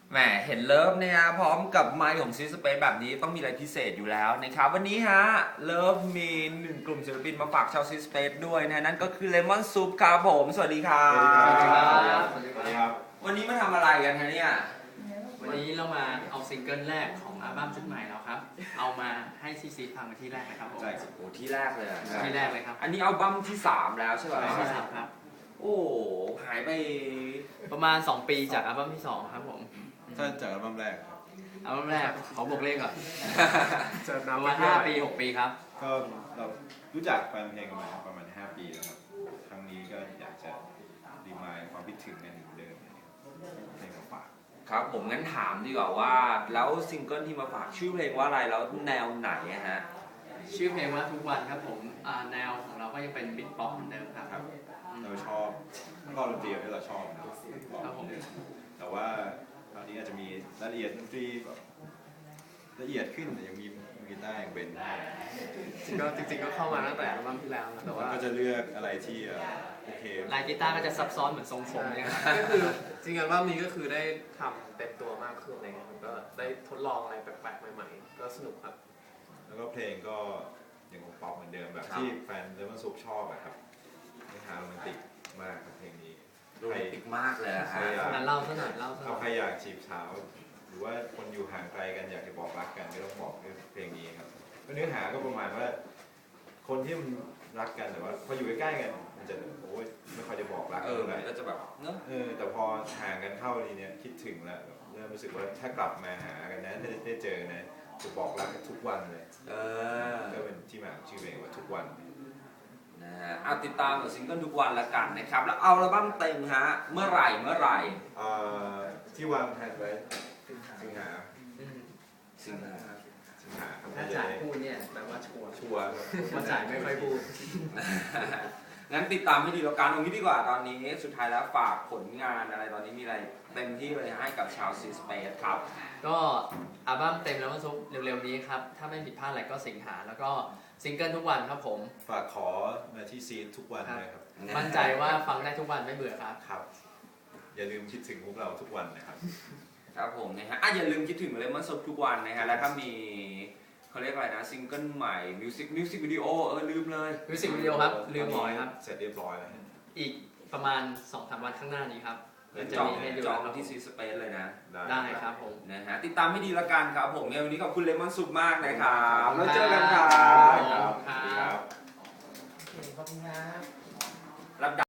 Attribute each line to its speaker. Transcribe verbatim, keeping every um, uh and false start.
Speaker 1: แหมเห็นเลิฟเนี่ยพร้อมกับไมค์ของซีสเปซแบบนี้ต้องมีอะไรพิเศษอยู่แล้วนะครับวันนี้ฮะเลิฟมีหนึ่งกลุ่มศิลปินมาฝากชาวซีสเปซด้วยนะนั่นก็คือเลมอนซุปครับผมสวัสดีครับ
Speaker 2: สวัสดีครับ
Speaker 3: สวัสดีครับ
Speaker 1: วันนี้มาทำอะไรกันฮะเนี่ย
Speaker 2: วันนี้เรามาเอาซิงเกิลแรกของอัลบั้มชุดใหม่เราครับ เอามาให้ซีซีฟังกันที่แรกนะครับผม
Speaker 3: ใช่ครับ
Speaker 1: โอ้ที่แรกเลยอะ
Speaker 2: ที่แรกเลยครับ
Speaker 1: อันนี้อัลบั้มที่สามแล้วใช่ไหม
Speaker 2: ที่สามครับ
Speaker 1: โอ้หายไป
Speaker 2: ประมาณสองปีจากอัลบั้มที่สองครับผม
Speaker 3: ถ้าจากอัลบั้มแรกครับ
Speaker 2: อัลบั้มแรกขอบอกเลขก่อน
Speaker 4: จะ
Speaker 2: ประ
Speaker 4: นับ
Speaker 2: มาณห้าปีหกปีครับ
Speaker 3: ก็เรารู้จักแฟนเพลงกันมาประมาณห้าปีแล้วครับ ครั้งนี้ก็อยากจะรีมายด์ความคิดถึงกันเหมือนเดิมเพลงมาฝาก
Speaker 1: ครับผมงั้นถามดีกว่าว่าแล้วซิงเกิลที่มาฝากชื่อเพลงว่าอะไรแล้วแนวไหนอะฮะ
Speaker 2: ชื่อเพลงว่าทุกวันครับผมอ่าแนวของเราก็ยังเป็นบิ๊กป๊อปเหมือนเดิมครับ
Speaker 3: ครับ เราชอบก็ดนตรีที่เราชอบนะครับ
Speaker 2: ครับผม
Speaker 3: แต่ว่าคราวนี้อาจจะมีรายละเอียดดนตรีแบบละเอียดขึ้นแต่ยังมีกีตาร์อย่างเบนให้
Speaker 4: ก็จริงๆก็เข้ามาตั้งแต่อัลบั้มที่แล้วนะแต่
Speaker 3: แล้ว
Speaker 4: ว่า
Speaker 3: ก็จะเลือกอะไรที่เอ่อโอเค
Speaker 2: ลายกีตาร์ก็จะซับซ้อนเหมือนทรงผมเนี่ยครับ
Speaker 4: ก็คือจริงๆอัลบั้มนี้ก็คือได้ทำเต็มตัวมากขึ้นอะไรเงี้ยผมก็ได้ทดลองอะไรแปลกๆใหม่ๆก็สนุกครับ
Speaker 3: แล้วก็เพลงก็ยังคงป๊อปเหมือนเดิมแบบ
Speaker 1: ครับ
Speaker 3: ที่แฟนเลมอนซุปชอบอะครับเนื้อหาโรแมนติกมากครับเพลงนี้
Speaker 1: โรแมนติกมากเลยอะฮะ
Speaker 2: งั้นเล่าซะหน่อยเล่าซะห
Speaker 3: ถ้า
Speaker 2: น่อย
Speaker 3: ใครอยากจีบสาว หรือว่าคนอยู่ห่างไกลกันอยากจะบอกรักกันก็ต้องบอกด้วยเพลงนี้ครับเนื้อหาก็ประมาณว่า คนที่มันรักกันแต่ว่าพออยู่ใกล้ๆกันมันจะโอ้ยไม่ค่อยจะบอกรัก
Speaker 1: เออ
Speaker 3: เท่าไห
Speaker 1: มั
Speaker 3: ร่
Speaker 1: นก็จะแบบเนอะ
Speaker 3: เออแต่พอห่างกันเข้าทีเนี้ยคิดถึงแล้วแบบเริ่มรู้สึกว่าถ้ากลับมาหากันนะได้ได้เจอนะจะบอกรักกันทุกวันเลย
Speaker 1: เออ
Speaker 3: ก็เป็นที่มาของชื่อเพลงว่าทุกวัน
Speaker 1: นะฮะเอาติดตามกับซิงเกิลทุกวันละกันนะครับแล้วเอาอัลบั้มเต็มฮะเมื่อไหร่เมื่อไหร่
Speaker 3: เอ่อที่วางแผนไว้สิงหา
Speaker 2: อืม
Speaker 1: สิงหา
Speaker 3: สิงหาครับ
Speaker 4: ถ้าจ่ายพูดเนี่ยแปลว่าชัวร์
Speaker 3: ชัวร์ครับ
Speaker 4: ถ้าจ่ายไม่ค่อยพูด
Speaker 1: งั้นติดตามให้ดีแล้วกันตรงนี้ดีกว่าตอนนี้สุดท้ายแล้วฝากผลงานอะไรตอนนี้มีอะไรเต็มที่เลยให้กับชาวซีสเปซครับ
Speaker 2: ก็อัลบั้มเต็มแล้วมันซุปเร็วๆนี้ครับ ถ้าไม่ผิดพลาดอะไรก็สิงหาแล้วก็ซิงเกิลทุกวันครับผม
Speaker 3: ฝากขอมาที่ซีนทุกวันเลยครับ
Speaker 2: มั่นใจว่าฟังได้ทุกวันไม่เบื่อครับ
Speaker 3: ครับ อย่าลืมคิดถึงพวกเราทุกวันนะครับ
Speaker 1: ครับผมนะฮะอ่ะอย่าลืมคิดถึงเลมอนซุปทุกวันนะฮะแล้วถ้ามีเขาเรียกอะไรนะซิงเกิลใหม่มิวสิกมิวสิกวิดีโอเออลืมเลย
Speaker 2: มิวสิกวิดีโอครับ ลืมหมอยครับ
Speaker 3: เสร็จเรียบร้อยแล้วฮะ
Speaker 2: อีกประมาณ สองถึงสาม วันข้างหน้านี้ครับ
Speaker 1: เป็น
Speaker 2: จะ
Speaker 1: จอง
Speaker 2: มีให้ดู
Speaker 1: จอง
Speaker 2: ครับ
Speaker 1: ที่ซีสเปซเลยนะ
Speaker 2: ได้ครับผม
Speaker 1: นะฮะติดตามให้ดีละกันครับผมเนี่ยวันนี้ขอบคุณเลมอนซุปมากนะครับแล้วเจอกันครั
Speaker 2: ครับ บ
Speaker 3: ครับ
Speaker 2: ครับ
Speaker 3: ครับ
Speaker 4: ขอบคุณครับ
Speaker 1: รับ